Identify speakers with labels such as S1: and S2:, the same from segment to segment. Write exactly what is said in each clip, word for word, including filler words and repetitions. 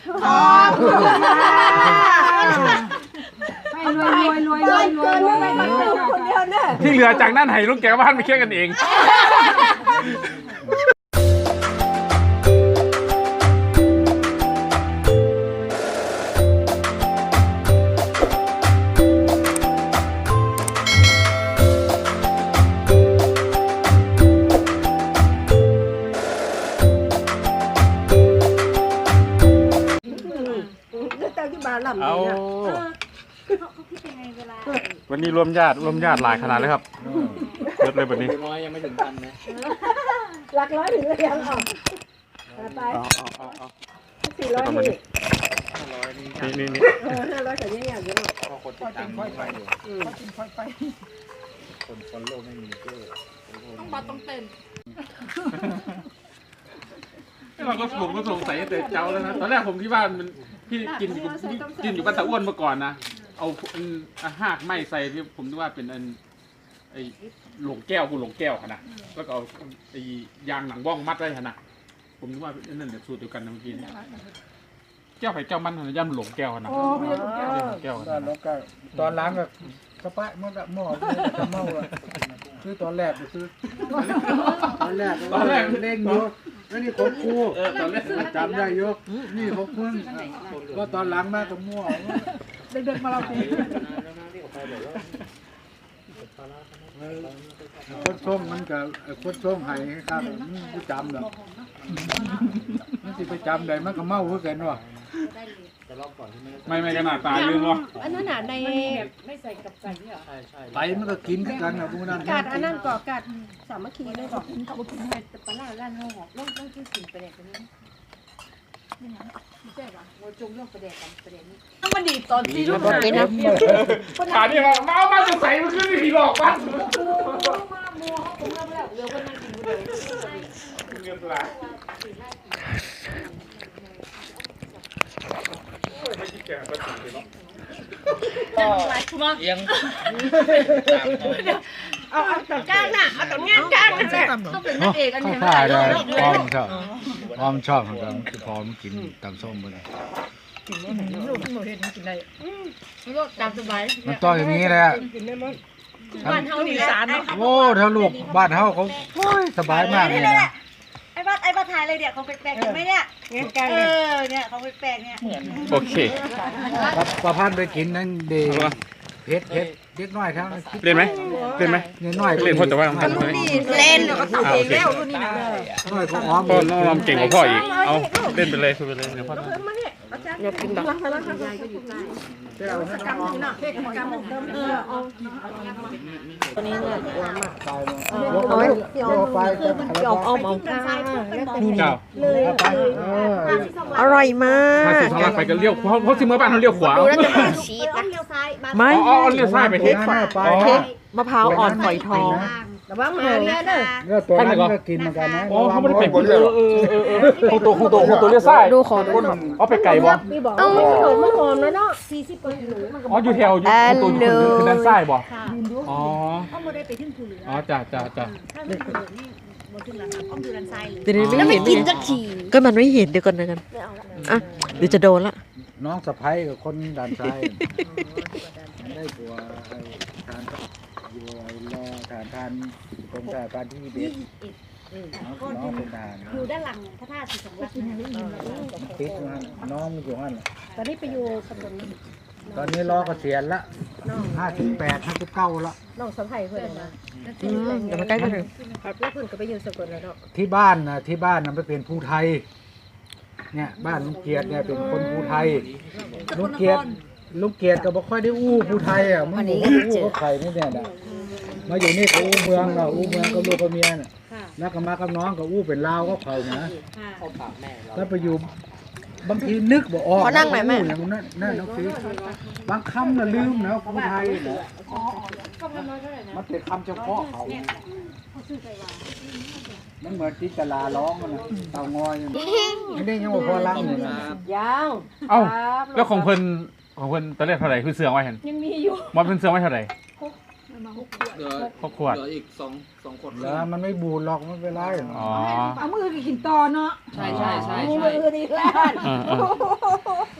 S1: ให้รวยรวยรวยรวยรวยรวยคนเดียวเนี่ย
S2: ที่เหลือจากนั้นให้ลูกแกบ้านไปเคลียร์กันเองเอาวันนี้รวมญาติรวมญาติหลายขนาดเลยครับเยอะเลยแบบนี้
S3: ร้อยยังไม่ถึงพันนะ
S1: หลักร้อยถึงเลยยังออกไปสี่ร้อยนี่ห้าร้อยนี่นี่นี่ห้าร้อยแต่ยังอย่างเยอะหน่อยพอคนติดตามค่อยไปเขากินค่อยไป
S3: คนคนโลกไม่มีก็
S4: ต้องบัดต้องเต้น
S2: เราก็ผมก็สงสัยแต่เจ้าแล้วนะตอนแรกผมที่บ้านมันพี่กินอยู่กินอยู่บ้านตะอ้วนมาก่อนนะเอาหากไม้ใส่ที่ผมนึกว่าเป็นอันไอ้หลงแก้วกูหลงแก้วขนาดแล้วก็เอาไอ้ยางหนังว่องมัดไว้ขนาดผมนึกว่านั่นเดี๋ยวสูตรเดียวกันนะเมื่อกี้แก้วไผ่แก้วมันย่ำหลงแก้วขนาดแก้ว
S5: ตอนล้างก็กระปะมันก็หม้อจะเมาอ่ะคือตอนแรกซื้อตอนแรกตอนแรกเล่งยกแล้วนี่ของกูตอนแรกจำได้ยกนี่ของมึงก็ตอนล้างมากก็มั่ว
S1: เด็กๆมาเราตี
S5: คนช่องมันกับคนช่องไห้ครับกูจำหรอกมันสิไปจำได้มันก็เมาเพื่อกันวะ
S2: ไม่ไม่ขนาดตายลืมวะ
S1: อันนั้นน่ะในไม่ใส่กับไก่เหรอ
S5: ใช่ใช่ไก่มันก็กินกันนะพวกนั้น
S1: กาดอันนั้นก่อกาดสามัคคีเลยก่อเขาบอกกินให้แต่ปลาล่าเฮาหอกต้องต้องกินสิ่งประเด็นนี้นี่นะไม่ใช่ป่ะเราจมเรื่องประเด็นกันประเด็นนี้ต้องมาดีตอนที่ลูกหายนะ
S2: ขานี่มาเมามาจะใส่มันขึ้นไม่ผีหลอกมัน
S1: มัวเขาคงเริ่มแล้วเรือคนนั่งกินผู้เดียว
S2: เงินปลาไม่คิดแก่ก็ถึงเลยเนาะ
S3: เอียง
S1: เอาเอาตรงกลางน่ะเอาตรงนี้กลางนั่นแหละต้องเป็นนางเอกอันนี้
S5: ไม่ได้พร้อมชอบพร้อมชอบเหมือนกันคือพร้อมกินตำส้มไปเลย
S1: กินไม่เห็นลูกหนูเห็นกินได้ลูกตามสบาย
S5: มันต้องอย่างนี้แหละ
S1: บ้านเฮานี่แหละ
S5: โอ้ถ้าลูกบ้านเฮาเขาสบายมากเลยนะ
S1: ไอ้บ้านไอ้บ้านไทยเลยเดี๋ยวเขาแปลกๆเห็นไหมเนี่ยเออเนี่ยเขาแปลกๆเนี่ย
S2: โอเค
S5: ประพันธ์ไปกินนั่นดีเพชรเพชรเล็กน้อยทั้ง
S2: เล่นไหมเล่นไหม
S5: เล่นน้อย
S2: เล่นพ่อแต่ว่าทำ
S1: ไมเล่นเขาทำเองแล้วรุ่นนี้นะ
S5: น้อยก็อ้อม
S2: พ่อน้องเก่งกว่าพ่ออีกเอาเล่นไปเลยคุยไปเลยเดี๋ยวพ่อ
S1: อยากกินแบบยายก็อยู่ใต้เดี๋ยวสกัดหน่อยสกัดหนึ่งเออเอาตัวนี้เนี่ยตัวมากเอาไว้ไปคือมันหยอกเอาหมองข้างนี่เลยอร่อยมาก
S2: ถ้าสิทางไปก็เลี้ยวเพราะเพราะที่เมื่อบ้านเขาเลี้ยวขวา
S1: ดูแล้วจะเป็นชีสนะเลี้ยวซ้าย
S2: ไม่อ๋อเลี้ยวซ้ายไปเค้ก
S1: เค้กมะพร้าวอ่อนฝอยทองแต่ว่ามาเนี่ยเนอะ
S5: เนื้อตัวนั้นก็กินเหมือนกันนะ
S2: อ๋อเขาไม่ได้ไปบนเรือเออเออเออของตัวของตัวของตัวเลี้ยวซ้าย
S1: ดูขอดู
S2: เอาไปไก่บ่
S1: เอ้ามันหอมแล้วเนาะสี่สิบกว่าหนู
S2: อ๋ออยู่แถวอยู่ตัวอยู่คือด้านซ้ายบ่อ๋อ
S1: เขาไม่ได้ไปถึงภูเหลือ
S2: อ๋อจ้าจ้าจ้า
S1: ถ้าเป็นภูเหลือนี่บนถึงแล้วครับอ้อมอยู่ด้านซ้ายเลย
S4: เดี๋ยวไม่กินสักทีก็มันไม่เห็นเดี๋ยวก่อนนะกันอ่ะเดี๋ยวจะโดนละ
S5: น้องสะพ้ายกับคนด้านซ้ายได้ตัวทานอยู่รอทานทานตรงแต่การที่เบ็ดน้องเป็นทาน
S1: อยู่ด้านหลังพระธาตุสีสองลักษณ์
S5: ติดมันน้องอยู่นั่น
S1: ตอนนี้ไปอยู่สกล
S5: ตอนนี้รอเกษียณละห้าสิบแปดห้าสิบเก้าละ
S1: น้องสะใภ้เพื่อนนะ
S4: เดี๋ยวมาใกล้กันถึง
S1: แล้วเพื่อนก็ไปอยู่สกลแล้วเนาะ
S5: ที่บ้านนะที่บ้านนะไปเป็นผู้ไทยเนี่ยบ้านลุงเกียรติเนี่ยเป็นคนผู้ไทยลุงเกียรติลุงเกียรติก็บ่ค่อยได้อู้ผู้ไทยอ่ะมันอู้เขาไข่นี่เนี่ยนะมาอยู่นี่ก็อู้เมืองเราอู้เมืองกับลูกกับเมียน่ะแล้วก็มากับน้องก็อู้เป็นลาวก็เขานะแล้วไปอยู่บางทีนึกบ่ออก
S4: เขานั่งไหนแม่
S5: อย่างนั้นนั่นน้องฟีบางคำน่ะลืมนะผู้ไทยนะมันเป็นคำเฉพาะเขามันเหมือนที่ตลาร้องกันนะเต่างอยไม่ได้ยังว่าพอล้างเลยนะ
S1: ยาว
S2: เอ้าแล้วของเพิ่นของเพิ่นตอนแรกเท่าไหร่คือเสื่อมไว้เห็น
S1: ยังมีอยู่
S2: มันเป็นเสื่อมไว้เท่าไหร่
S3: เหลือ
S2: หกขวด
S3: เหลืออีกสองสองขวด
S5: แล้วมันไม่บูดหรอกไม่เป็นไร
S2: อ๋อ
S1: เอามือกินต่อเนาะ
S3: ใช่ใช่ใช่
S1: มือดีแล้ว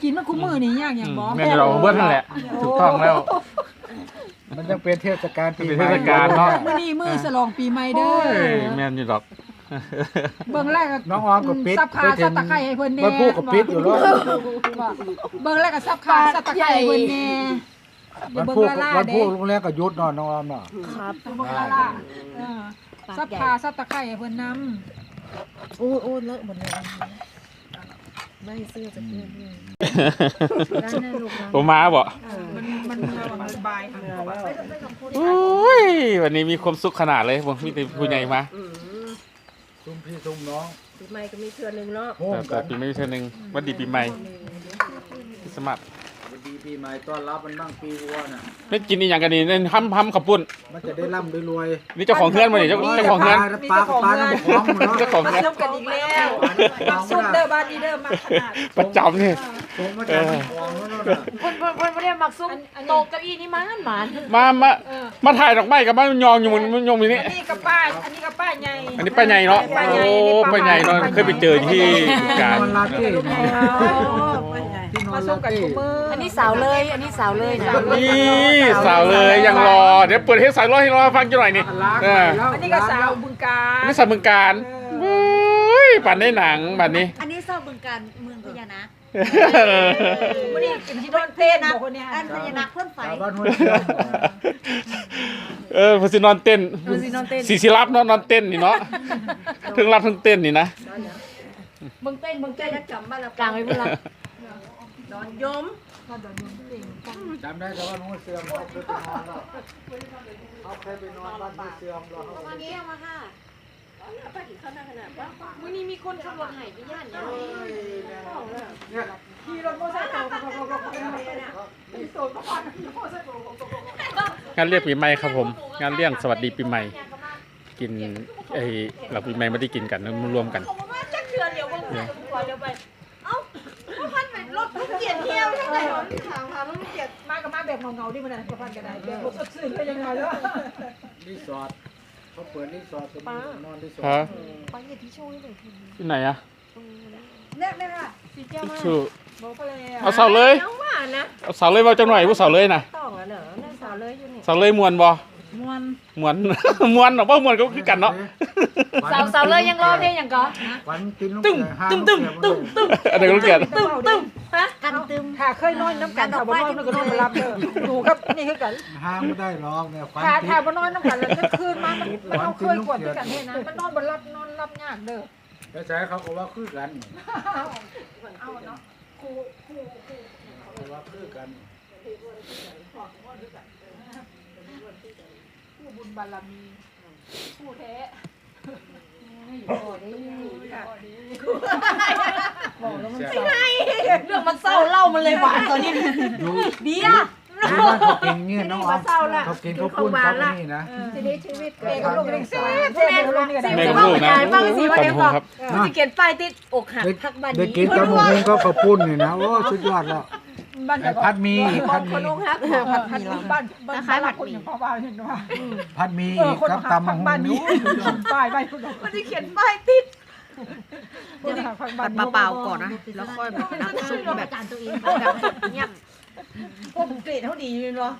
S6: กินมันคุ้มมือนี่อย่างอย่างบ่
S2: แม่นเราเบิ้ลนั่นแหละถูกต้องแล้ว
S5: มันจะเป็นเทศกาลปี
S2: เป็น
S5: ใหม่
S2: เทศกาลเนาะ
S6: มื้อนี้มื้อฉลองปีใหม่เด้
S2: โอ้
S6: อย
S2: แม่นอยู่ดอก
S6: เบิ่งแรก
S5: น้องออมก็ปิด
S6: ซับขาซับตะไคร้ให้เพิ่นแน่
S5: มันพูดกับปิดอยู่แล้ว
S6: เบิ่งแรกก็ซับขาซับตะไคร้ให้เพิ่นแน่
S5: มัน
S6: เบิ่ง
S5: พูด
S6: ละล่า
S5: มัน
S6: เด้
S5: พูดโรงแรมก็หยุดเนาะน้องออมเนาะ
S1: ครับ
S6: เบิ่งละล่าเออซับขาซับตะไคร้ให้เพิ่นนำ
S1: โอ้โอ้เลอะหมดเลยไม่เสื้อจะเพื่อนด้วยด้านหน้าลูกนะ
S2: ผมมาบ่
S6: มันมันมันสบายค่ะ
S2: โอ้ยวันนี้มีความสุขขนาดเลยผมมีแต่ผู้ใหญ่มา
S1: อืม
S5: ซุ่มพี่ซุ่มน้อง
S1: ปีใหม่ก็มีเทือนหนึ่งเนาะ
S5: โฮม
S2: แต่
S5: กัน
S2: ปีใหม่เท่านึงวันดีปีใหม่คริสต์มาส
S3: ดีปีใหม่ต้อนรับมันบ้างปีวัวน่ะ
S2: ไม่กินอีหยังกันนี่เล่นห้ำห้ำขับปุ่น
S5: มันจะได้ร่ำได้รวย
S2: นี่เจ้าของเฮือนมาเนี่ยเจ้าเจ้าของเฮือน
S5: ปลาปลาน้ำของเนาะ
S2: เจ้าของ
S6: มา
S2: เฮือน
S6: ซุ่มกันอีกแล้วมาซุ่มเด้อบ้านนี้เด้อมาขนาด
S2: ประจำนี่
S5: ส่งมาจากน้ำของแล้วเนาะ
S1: เพิ่นเพิ่นเพิ่นบ่ได้มักซุ่มโตะเก้าอี้นี่มันหมาน
S2: มามามาถ่ายดอกไม้กับบ้านยองอยู่มันมันยองอยู่นี่
S6: อันนี้กับป้าอันนี้กับป้าใหญ่
S2: อันนี้ป้าใหญ่เนาะโอ้ป้าใหญ่เนาะเคยไปเจอที่การ
S5: นอนลาเต้ที่นอ
S6: มาน ซุ่
S5: ลาม
S6: กัน
S5: เต้
S6: ทุกมื้อ
S1: อั
S6: อั
S1: นนี้สาวเลยอันนี้สาวเลยนะ
S2: นี่สาวเลยยังรอเดี๋ยวเปิดให้สาวรอให้รอฟังจังหน่อยนี่
S5: ล้าง
S2: เอ
S5: ไป
S2: อ
S5: แล้ว
S6: อันนี้ก็สาวบึงกาฬ
S2: นี่สาวเมืองการเฮ้ยปั่นได้หนังบัดนี้
S7: อันนี้สอบบึงการเมืองพญานาค
S6: วันนี้กินที่โดนเต้นบอกคนเนี้ย
S7: อันพญานาคพ่นไฟ
S5: ชาวบ้านห้วยเชียง
S2: เออพอสินอนเต้น
S1: มันสินอนเต้น
S2: สีสิรับเนาะนอนเต้นนี่เนาะทั้งรับทั้งเต้นนี่นะ
S1: มึงเต้นมึงเต้นแล้วจำบ้านละกลางไว้เพื่อนละนอนยม
S5: จำได้แต่ว่าห้วยเชียงเขาเคยไปนอนแล้วเขาเคยไปนอนบ้านห้วยเชียงแล้ว
S1: วันนี้เอามาค่ะป้ากินข้าวหน้าขนาดป้ามื้อนี้มีคนขับรถไห้ไปย่านเนี่ย
S5: เนี่ย
S6: ขี่รถมอเตอร์ไซค์ต่อต่อต่อต่อมีโซนประมาณมอเตอร์ไซค์ต่อต่อต่อง
S2: านเรียกปีใหม่ครับผม งานเลี้ยงสวัสดีปีใหม่ กินไอ้หลักปีใหม่ไม่ได้กินกันมารวมกัน
S1: ผมว่าจักเทือนเดียวเบิ่งใส่ก่อนเดี๋ยวไปเอ้าพ่อพันไปรถลูกเกียรเที่ยวเท่าไหร่หรอถามหาลูกเกียร
S6: มากับมาแบบเงาๆที่มันน่ะประพันกันได้แบบบ่สดชื่นก็ยังไงเนาะ
S5: รีสอร์ทเขาเปิดรีสอร์ทเป็นนอนรีสอ
S2: ฮะ
S5: ร์ท
S1: ไปอย่าที่โชว์ให้หน่อยที
S2: ที่ไหนอะ
S6: เนี่ยเนี่ยค่ะ
S1: สีแก้วมาก
S2: ชื่อ
S6: บอกไปเลย
S2: เอาเสาเลย
S1: น้องว่านะ
S2: เอาเสาเลยมาจังหน่อยผู้เสาเลยนะ
S1: ต้องอ่ะเนอะนั่นสาวเลยอยู่นี่
S2: เสาเลยมวนบ่
S6: มวน
S2: มวน มวนหรอว่ามวนก็คือกันเนาะ
S1: สาวสาวเลยยังรอเพลงอย่างก็
S5: ฝันกินลูก
S2: ตึ้ม
S5: เสือห้า
S2: ตึ้ม
S5: ลู
S2: ตึ้
S5: ก
S2: ม
S5: เสือ
S2: ตึ้มตึ้มอันนี้ก็รู้เกียรติ
S1: ตึ้มตึ้มฮะ
S7: กันตึม
S6: ถ้าเคยนอนน้ำกันถ้าบ่นอนมันก็นอนมารับเด้อดูครับนี่คือกัน
S5: ห้ามไม่ได้หรอกเนี่ยฝัน
S6: ถ้า
S5: ติ
S6: ถ้า
S5: ด
S6: บ่นอนน้ำกันแล้วจะคืนมามันมันเอาเคยกวดด้วยกันเฮ็ดนะมันนอนบ่รับนอนรับยากเด้อ
S5: แล้วใช้เขาก็ว่าคือกัน
S6: เอาเนาะครูครูครู
S5: เขาว่าคือกัน
S6: ผู้บุญบารมีผู้แท้
S1: เรื่องมันเศร้าเล่ามันเลยหวานตอนนี้
S5: อยู่
S1: เบียร์
S5: ที่บ้านเขากินเงี้ยน้องออมเขากินข้าวปุ้นเขาก็นี่นะ
S6: ชีวิตชีวิตเกิดกับลูกเลี้ยงเสียเสียกับลูกนี่ก็ได้
S2: แม่กับลูกนะ
S1: ฟังสิว่าเดี๋ยว
S2: ตำหู
S1: บอก
S2: ครับ
S1: กูจะเขียนป้ายติดอกหัก
S5: ได้
S1: ทักบ้าน
S5: ได้
S1: นี้
S5: กินกับหมูหุงก็ข้าวปุ้นนี่นะโอ้สุดยอดแล้ว
S6: บ้าน
S5: ไอ้พัดหมีอีกพัดห
S1: ค
S5: มี
S1: นอกหัก
S6: ผัดผัดบ้านบ้านคล้ายผัดหมี่พ่อบ้านเห็นว่า
S5: พัดหมี
S6: เออ
S5: อีก
S6: คน
S5: กับ
S6: หัก
S5: ตำมะ
S6: ผัก
S5: ฮุ
S6: บ้าน
S5: ง
S6: นี้ป้ายป้ายคุณ
S1: มันจะเขียนป้ายติด
S6: คนหักผักบ้าน
S1: เปล่าๆก่อนนะแล้วค่อยแบบน้ำซุปแบบ
S7: จานตัวเอง
S1: แบบเงียบ
S6: พวกเกรดเท่าดีเลยเนาะ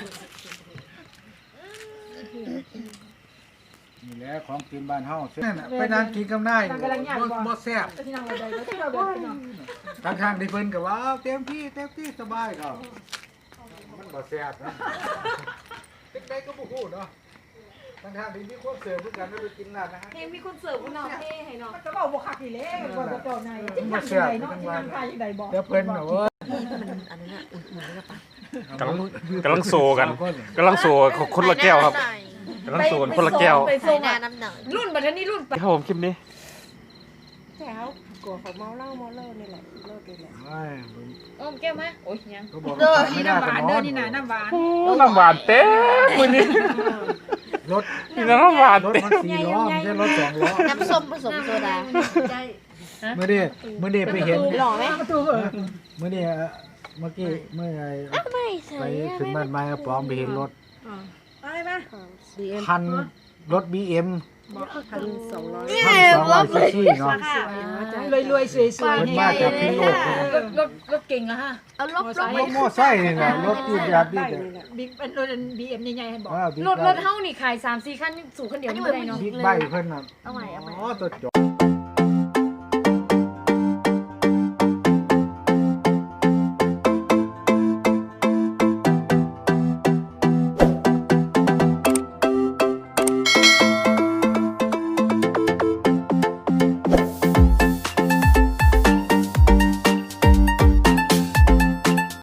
S5: นี่แหละของกินบ้านเฮานั่นน่ะไปนั่งกินกับนายบ่บ่แซ่บ
S6: ที่นั่งอะไรก็ที่เราเดินเนาะ
S5: ทางๆที่เพิ่นก็ว่าเอาเต็มที่เต็มที่สบายก็มันบ่แซ่บนะเป็นไดก็บ่ฮู้เนาะทางๆที่มีคนเสิร์ฟคือกันแล้วไปกินร้านอาหาร
S1: เพลงมีคนเสิร์ฟคุณน้องเท่ให้น้อง
S6: มันจะบอกบวกขักอีเล่ก่อนจะจอดในที่นั่งยังไงเนาะที่นั่งไทยยังไงบอก
S5: เดี๋ยวเพิ่นน่ะเว้ย
S1: อันนั้นอ่ะอุ่นๆแล้วปะ
S2: กำลังกำลังโซกันกำลังโซคนละแก้วครับกำลังโซคนละแก้ว
S1: ไป
S7: ใส่
S1: ส่ง
S7: หน้า
S1: อ่ะ
S7: น้ำหนัก
S1: รุ่นบัดนี้รุ่นไป
S2: ครับผมคลิปนี้
S1: แถวกลัวเขาเมาเหล้าเมาเหล้านี่แหละเลิกเลยแหละ
S5: เอ้ย
S1: อ้อมแก้วไหมโอ้ยยัง
S5: ก็บอก
S6: เด้อ
S5: ไม่
S6: นี่
S5: ได้
S6: น้ำห
S5: ก็
S6: วาน
S5: น
S6: เด้
S5: อ
S6: อน นี่นะน้ำหวาน
S2: น้ำหวานเต็มมือนี้
S5: รถ
S2: นี่น้ำหวาน
S5: รถ
S2: เต็ม
S5: มันสี่ล้อไม่ใช่รถสองล้อ
S7: น้ำส้มผสมโซดา
S5: เมื่อนี้เมื่อนี้ไปเห็น
S1: หล่อไหม
S6: ประตูเออ
S5: เมื่อนี้เมื่อกี้เมื่อไง
S7: ไม่ใส่
S5: ไปถึงบ้านไม้ปลอมไปเห็นรถ
S6: อะไรมา
S5: พันรถบีเอ็ม
S1: พันสองร้อย
S5: พันสองร้อยซีซีเนาะ
S6: รวยรวยๆสวยสวย
S5: เพิ่นมาจากพิษโลกเลย
S6: รถรถรถเก่งแล้วฮะ
S7: เอาลบลบ
S5: รถมอไซค์นี่แหละรถที่แบบนี้แหละ
S6: บิ๊กเป็นรถบีเอ็มใหญ่ๆให้บอก
S5: อ้าวบิ๊ก
S8: รถ
S5: ไบ
S8: รถ
S5: ค์
S8: เฮานี่ขายสามสี่คันสู่คันเดียวนี่บ่ได้เนาะ
S5: บิ๊กไบค์เพิ่นน่ะ
S7: เอาใหม่เอาใหม่
S5: อ๋อตัวจ